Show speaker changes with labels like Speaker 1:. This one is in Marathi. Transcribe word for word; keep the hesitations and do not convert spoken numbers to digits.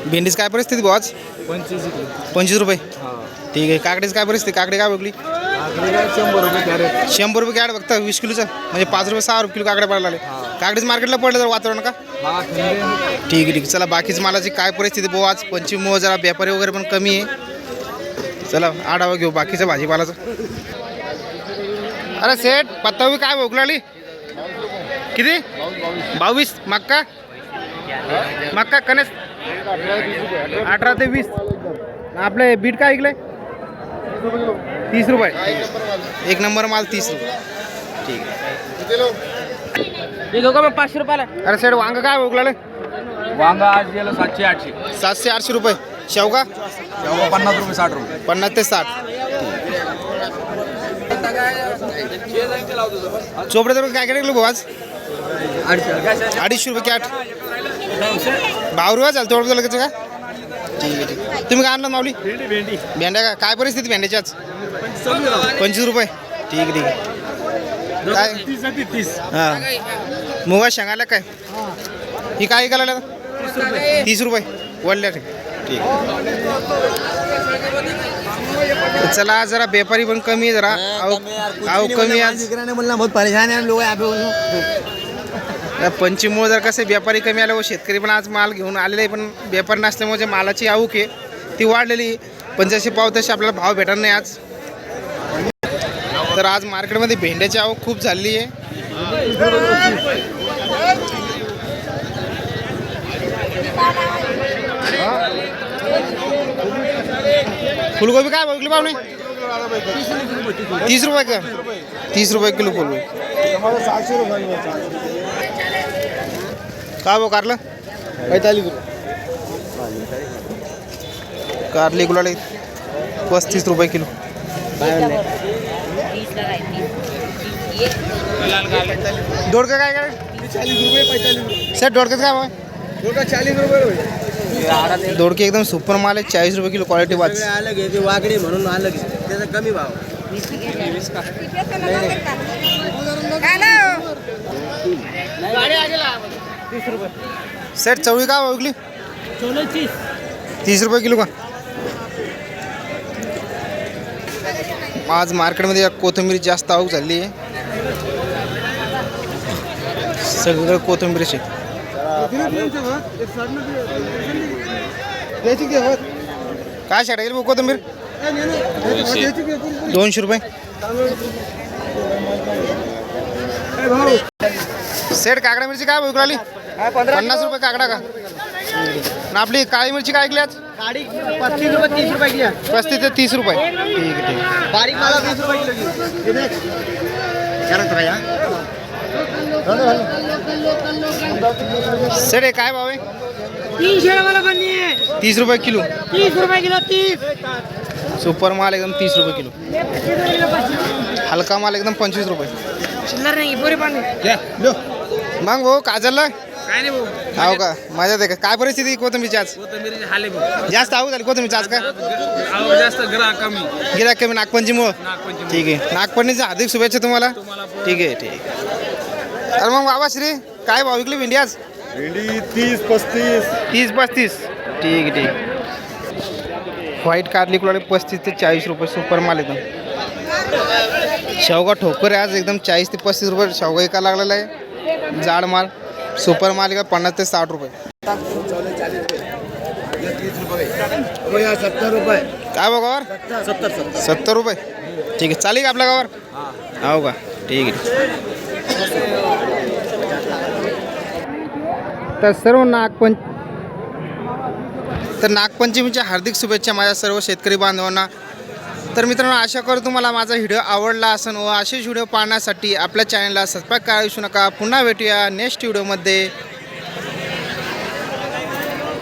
Speaker 1: भेंडीच काय परिस्थिती भाऊ आज?
Speaker 2: पंचवीस
Speaker 1: पंचवीस रुपये ठीक आहे. काकडीच काय परिस्थिती? काकडी काय बघली?
Speaker 2: शंभर रुपये कॅरेट.
Speaker 1: शंभर रुपये कॅरेट बघता वीस किलोचं म्हणजे पाच रुपये सहा रुपये किलो काकडे पडायला लागले. काकडीच मार्केटला पडलं तर वातावरण का?
Speaker 2: हा
Speaker 1: ठीक आहे ठीक आहे. चला बाकीच मालाची काय परिस्थिती भाऊ आज? पंचवीस जरा व्यापारी वगैरे पण कमी आहे. चला आढावा घेऊ बाकीचं भाजीपालाचं. अरे सेठ पत्तावी काय भोग लागली? किती? बावीस. मक्का मक्का कनेस अठरा ते वीस. आपले बीट काय ऐकलंय? तीस रुपये. एक नंबर माल तीस रुपये ठीक आहे.
Speaker 3: मग पाचशे रुपयाला.
Speaker 1: अरे सेठ वांग काय भोग लागले?
Speaker 2: वांगा आज गेलं सातशे आठशे.
Speaker 1: सातशे आठशे रुपये. शेवगा
Speaker 2: शेवगा पन्नास रुपये साठ रुपये.
Speaker 1: पन्नास ते साठ. चोपडे तर काय काय भाऊ आज? अडीचशे रुपये कॅट. भाव रुपये चालतं तेवढं लगेच का? ठीक आहे ठीक आहे. तुम्ही काय आणलं माऊली?
Speaker 2: भेंडी.
Speaker 1: भेंड्या का काय परिस्थिती भेंड्याची आज? पंचवीस रुपये ठीक आहे ठीक आहे. काय
Speaker 2: तीस.
Speaker 1: हां मुगा शेंगाला काय ही काय करायला? तीस रुपये वडल्या ठीक ठीक. चला जरा व्यापारी पण कमी आहे जरा अहो अहो कमी आज.
Speaker 2: बहुत परेशान है लोग यहाँ पे.
Speaker 1: पंचमीमुळे जर कसे व्यापारी कमी आले व शेतकरी पण आज माल घेऊन आलेले आहे पण व्यापारी नसल्यामुळे जे मालाची आवक आहे ती वाढलेली पण जसे पाव तसे आपल्याला भाव भेटणार नाही आज. तर आज मार्केटमध्ये भेंड्याची आवक खूप झालेली आहे. फुलगोबी काय बघली पाहुणे? तीस रुपये का? तीस रुपये किलो फुलगोबी. काय भाऊ कारलं?
Speaker 2: पैतालीस
Speaker 1: कारली गुलाल पस्तीस रुपये किलो. दोडका काय काय?
Speaker 2: चालीस रुपये पैतालीस.
Speaker 1: सर दोडक्यात काय भाव?
Speaker 2: छोटा चालीस रुपये.
Speaker 1: दोडके एकदम सुपर माल आहे. चाळीस रुपये किलो क्वालिटी वाच.
Speaker 2: अलग आहे ते वागडे म्हणून अलग आहे त्याचा कमी भाव.
Speaker 1: सेट चवळी का विकली? तीस रुपये किलो का? आज मार्केटमध्ये कोथिंबीर जास्त आवक झाली आहे. सगळीकडे कोथिंबीरची. काय शाळा गेली कोथिंबीर? दोनशे रुपये. सेट काकडा मिरची काय विकू राहिली? पन्नास रुपये काकडा का? ना आपली काळी मिरची काय ऐकली आज?
Speaker 2: पस्तीस रुपये तीस रुपये की.
Speaker 1: पस्तीस ते तीस रुपये ठीक आहे ठीक आहे.
Speaker 2: बारीक माला तीस रुपये
Speaker 1: सेट हे काय भाव आहे?
Speaker 3: तीनशे मला बन्नी आहे.
Speaker 1: तीस रुपये किलो.
Speaker 3: तीस रुपये किलो. तीस.
Speaker 1: सुपर माल एकदम तीस रुपये किलो. हलका माल एकदम पंचवीस रुपये.
Speaker 3: चिल्लर नाही पुरे पाणी.
Speaker 1: मग भाऊ काय चाललं?
Speaker 3: काय नाही भाऊ.
Speaker 1: हो का मजा दे का? काय परिस्थिती कोथिंबीरची आज?
Speaker 3: कोथिंबीर हाले भाऊ.
Speaker 1: जास्त आवक झाली कोथिंबीरची आज का?
Speaker 3: आवक जास्त ग्राहक कमी.
Speaker 1: गिराक कमी नागपंचमीमुळं.
Speaker 3: नागपंचमी.
Speaker 1: ठीक आहे. नागपंचमीच्या हार्दिक शुभेच्छा तुम्हाला. ठीक आहे ठीक आहे. अरे मग बाबा श्री काय भाव विकली भेंडी आज?
Speaker 2: भेंडी तीस पस्तीस.
Speaker 1: तीस पस्तीस ठीक आहे ठीक आहे. व्हाईट कारली कुलाडे पस्तीस ते चाळीस रुपये सुपर माल एकदम. शेवगा ठोकर आहे आज एकदम चाळीस ते पस्तीस रुपये शेवगा एका लागलेला आहे. जाड माल सुपर माल का पन्नास ते साठ रुपये.
Speaker 2: सत्तर रुपये.
Speaker 1: काय बघावर?
Speaker 2: सत्तर सत्तर
Speaker 1: सत्तर रुपये ठीक आहे. चालेल का आपल्या गावावर? हो का ठीक आहे. तर सर्व नागपंच तर नागपंचमीच्या हार्दिक शुभेच्छा माझ्या सर्व शेतकरी बांधवांना. तर मित्रांनो आशा करतो तुम्हाला माझा व्हिडिओ आवडला असेल व असेच व्हिडिओ पाहण्यासाठी आपल्या चॅनलला सबस्क्राईब करा विसरू नका. पुन्हा भेटूया नेक्स्ट व्हिडिओमध्ये.